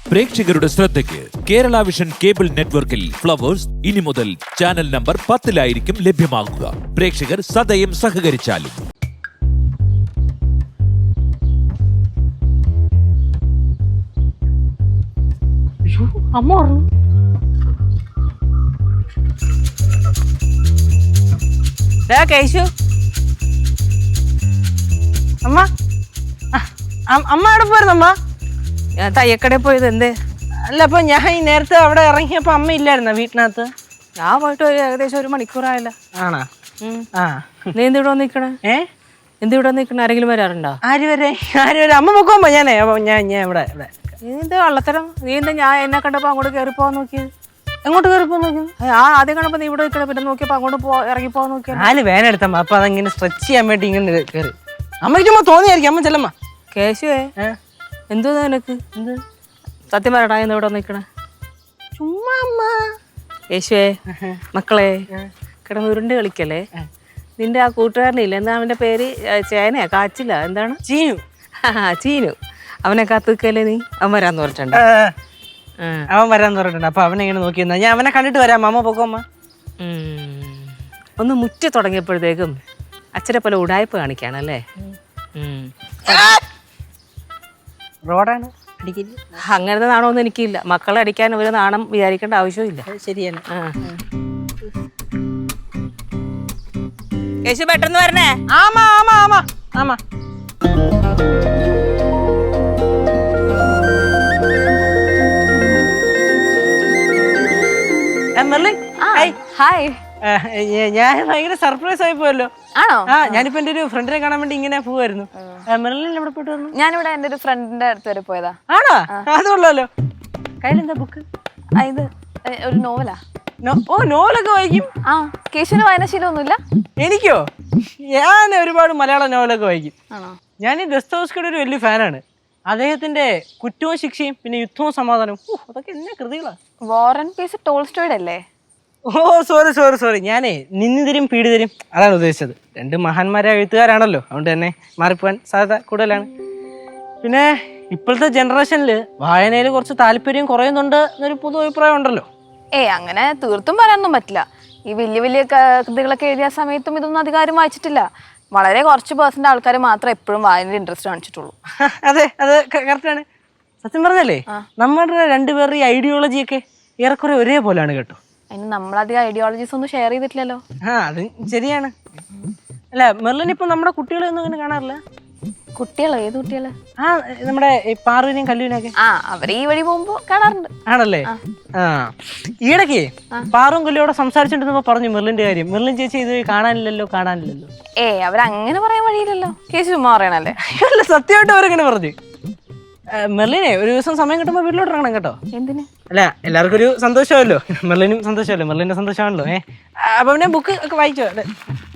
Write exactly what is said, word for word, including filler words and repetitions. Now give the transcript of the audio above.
പ്രേക്ഷകരുടെ ശ്രദ്ധയ്ക്ക് Kerala vision cable നെറ്റ്വർക്കിൽ ഫ്ലവേഴ്സ് ഇനി മുതൽ ചാനൽ നമ്പർ പത്തിലായിരിക്കും ലഭ്യമാകുക. പ്രേക്ഷകർ സദയം സഹകരിച്ചാലും. അമ്മ പറഞ്ഞു കേശു അമ്മ അമ്മ എവിടെ പോയിരുന്നു അമ്മ? ഞാൻ തയ്യക്കടയിൽ പോയത് എന്തേ? അല്ല അപ്പൊ ഞാൻ ഈ നേരത്തെ അവിടെ ഇറങ്ങിയപ്പോ അമ്മ ഇല്ലായിരുന്ന വീട്ടിനകത്ത്? ഞാൻ പോയിട്ട് ഒരു ഏകദേശം ഒരു മണിക്കൂറായല്ല. ആണോ? ആ നീ എന്ത് ഇവിടെ നിക്കണേ? ഏ എന്ത് ഇവിടെ നിക്കണേ? ആരെങ്കിലും വരാറുണ്ടോ? ആര് വരെ ആര് വരെ അമ്മ പൊക്കോമ്പോ ഞാനേ ഞാൻ ഞാൻ ഇവിടെ ഇവിടെ നീ എന്ത് വള്ളത്തരം? നീ എന്താ ഞാൻ എന്നെ കണ്ടപ്പോ അങ്ങോട്ട് കയറി പോവാൻ നോക്കിയത്? എങ്ങോട്ട് കയറി പോ നോക്കി? ആ ആദ്യം കണ്ടപ്പോ നീ ഇവിടെ നിൽക്കണ, പിന്നെ നോക്കിയപ്പോ അങ്ങോട്ട് പോ ഇറങ്ങി പോവാൻ നോക്കിയാ. നാല് വേനെടുത്തമ്മ അപ്പൊ അതങ്ങനെ സ്ട്രെച്ച് ചെയ്യാൻ വേണ്ടി ഇങ്ങനെ കയറി. അമ്മയ്ക്ക് ചുമ്മാ തോന്നിയായിരിക്കും. അമ്മ ചെല്ലമ്മ. കേശുവേ എന്തോ നിനക്ക്? എന്ത് സത്യം പറയടാ, എന്താ ഇവിടെ നിക്കണേ? ചുമ്മാ അമ്മ. യേശുവേ മക്കളെ കിടന്ന് ഉരുണ്ട് കളിക്കല്ലേ. നിന്റെ ആ കൂട്ടുകാരനില്ല, എന്താ അവന്റെ പേര്? ചേനയാ കാച്ചില്ല എന്താണ്? ചീനു. ചീനു. അവനെ കാത്തുക്കല്ലേ നീ? അവൻ വരാന്ന് പറഞ്ഞിട്ടുണ്ട്. അവൻ വരാന്ന് പറഞ്ഞിട്ടുണ്ട്. അപ്പൊ അവനെ ഇങ്ങനെ നോക്കിയെന്നാ ഞാൻ അവനെ കണ്ടിട്ട് വരാം. അമ്മ പൊക്കോമ്മ. ഒന്ന് മുറ്റ തുടങ്ങിയപ്പോഴത്തേക്കും അച്ഛനെ പോലെ ഉടായ്പ കാണിക്കാണല്ലേ. റോഡാണ് അടിക്കില്ല. അങ്ങനത്തെ നാണമൊന്നും എനിക്കില്ല. മക്കളെ അടിക്കാൻ ഒരു നാണം വിചാരിക്കേണ്ട ആവശ്യമില്ല. ശരിയാണ്. യേശു പെട്ടെന്ന് വരണേ. ആമാ ആമാ ആമാ ആമാ. ഞാൻ ഭയങ്കര സർപ്രൈസ് ആയി പോയല്ലോ. ആണോ? ആ ഞാനിപ്പോ എന്റെ ഒരു ഫ്രണ്ടിനെ കാണാൻ വേണ്ടി ഇങ്ങനെ പോവായിരുന്നു. മെർലിൻ എവിടെ പോയിട്ട് വന്നു? ഞാനിവിടെ എന്റെ ഒരു ഫ്രണ്ടിന്റെ അടുത്ത് വരെ പോയതാ. ആണോ? അതുകൊള്ളാലോ. കയ്യിലെന്താ ബുക്ക്? ഇത് ഒരു നോവലാ. ഓ നോവലൊക്കെ വായിക്കും? ആ കേശുവിന് വായനാശീലമൊന്നുമില്ല? എനിക്കോ? ഞാൻ ഒരുപാട് മലയാള നോവലൊക്കെ വായിക്കും. ആണോ? ഞാൻ ഈ ദസ്തോവ്സ്കിയുടെ ഒരു വലിയ ഫാനാണ്. അദ്ദേഹത്തിന്റെ കുറ്റവും ശിക്ഷയും പിന്നെ യുദ്ധവും സമാധാനവും അതൊക്കെ എന്നെ കൃതികളാ. വാർ ആൻഡ് പീസ് ടോൾസ്റ്റോയുടെ അല്ലേ? ഓ സോറി സോറി സോറി ഞാനേ നിന്നിതരും പീഡിതരും അതാണ് ഉദ്ദേശിച്ചത്. രണ്ട് മഹാന്മാരായ എഴുത്തുകാരാണല്ലോ, അതുകൊണ്ട് തന്നെ മാറിപ്പോവാൻ സാധ്യത കൂടുതലാണ്. പിന്നെ ഇപ്പോഴത്തെ ജനറേഷനിൽ വായനയിൽ കുറച്ച് താല്പര്യം കുറയുന്നുണ്ട് എന്നൊരു പൊതു അഭിപ്രായം ഉണ്ടല്ലോ. ഏയ് അങ്ങനെ തീർത്തും പറയാനൊന്നും പറ്റില്ല. ഈ വലിയ വലിയ കൃതികളൊക്കെ എഴുതിയ സമയത്തും ഇതൊന്നും അധികാരം വായിച്ചിട്ടില്ല. വളരെ കുറച്ച് പേഴ്സൻ്റ് ആൾക്കാർ മാത്രമേ എപ്പോഴും വായനയിൽ ഇൻട്രസ്റ്റ് കാണിച്ചിട്ടുള്ളൂ. അതെ അത് കറക്റ്റാണ്. സത്യം പറഞ്ഞല്ലേ നമ്മുടെ രണ്ടുപേരുടെ ഈ ഐഡിയോളജിയൊക്കെ ഏറെക്കുറെ ഒരേപോലെയാണ് കേട്ടോ. അതിന് നമ്മളധികം ഐഡിയോളജീസ് ഒന്നും ഷെയർ ചെയ്തിട്ടില്ലല്ലോ. ആ അത് ശരിയാണ്. അല്ല മെർലിൻ ഇപ്പൊ നമ്മുടെ കുട്ടികളെ ഒന്നും അങ്ങനെ കാണാറില്ല. കുട്ടികളോ? ഏത് കുട്ടികള്? ആ നമ്മുടെ പാറുവിനെയും കല്ലുവിനെയൊക്കെ. ആ അവര് ഈ വഴി പോകുമ്പോ കാണാറുണ്ട്. ആണല്ലേ? ആ ഈയിടയ്ക്ക് പാറും കല്ലുവിടെ സംസാരിച്ചിട്ടുണ്ടെന്നപ്പോ പറഞ്ഞു മെർലിന്റെ കാര്യം. മെർലിൻ ചേച്ചി ഇത് കാണാനില്ലല്ലോ കാണാനില്ലല്ലോ. ഏ അവരങ്ങനെ പറയാൻ വഴിയില്ലല്ലോ. കേസ് ചുമ്മാ പറയണല്ലേ. അല്ല സത്യമായിട്ട് അവരെങ്ങനെ പറഞ്ഞു. മെർലിനെ ഒരു ദിവസം സമയം കിട്ടുമ്പോ വീട്ടിലോട്ട് ഇറങ്ങണം കേട്ടോ. എന്തിന്? അല്ല എല്ലാവർക്കും ഒരു സന്തോഷമല്ലോ. മെർലിനും സന്തോഷമല്ലോ. മെർലിന്റെ സന്തോഷമാണല്ലോ. ഏഹ് അപ്പൊ പിന്നെ ബുക്ക് ഒക്കെ വായിച്ചോ?